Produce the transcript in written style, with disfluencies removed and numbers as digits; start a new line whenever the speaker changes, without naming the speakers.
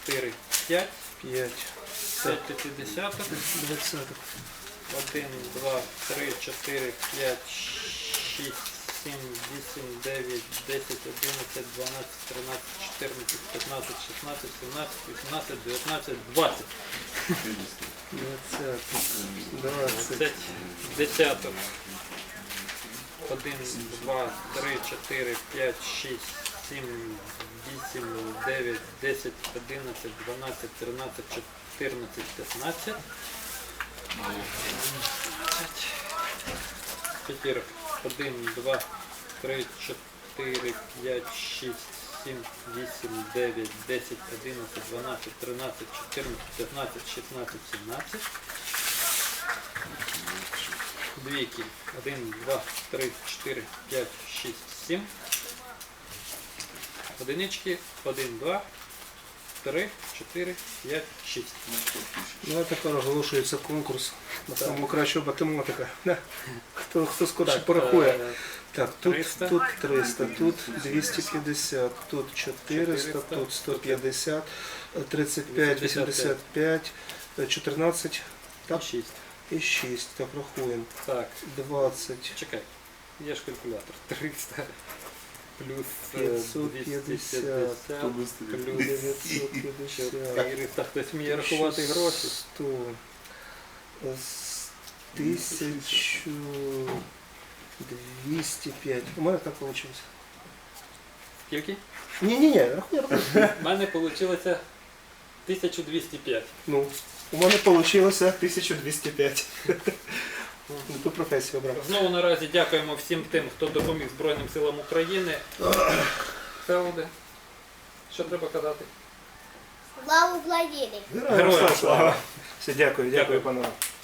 4, 5.
5.
5 п'ятидесяток.
20.
1, 2, 3, 4, 5, 6, 7, 8, 9, 10, 11, 12, 13, 14, 15, 16, 17, 18, 19, 20.
20.
20 десяток. 1, 2, 3, 4, 5, 6, 7, 8, 9, 10, 11, 12, 13, 14, 15. Пятерок. 1, 2, 3, 4, 5, 6, 7, 8, 9, 10, 11, 12, 13, 14, 15, 16, 17. Двійки. 1, 2, 3, 4, 5, 6, 7. Одинички. 1, 2, 3, 4, 5, 6.
Ну а тепер оголошується конкурс на саму кращу математика. Хто скорше порахує. Так, тут
300.
тут 300, тут 250, тут 400, тут 150, 35, 85, 14
Так. 6.
і 6. Так, рахуємо.
Так.
20,
Чекай. Є ж калькулятор. 300 плюс
550,
250 плюс
950,
400. Хтось вміє рахувати гроші.
100, 1205. У мене так вийшло.
Скільки?
Ні, рахуй.
У мене вийшло 1205.
Ну, у мене вийшло 1205. Ну, ту професію обрав.
Знову наразі дякуємо всім тим, хто допоміг Збройним силам України. Фелоде. Що треба казати?
Слава Україні!
Героям слава!
Все, дякую,
Дякую.
панове.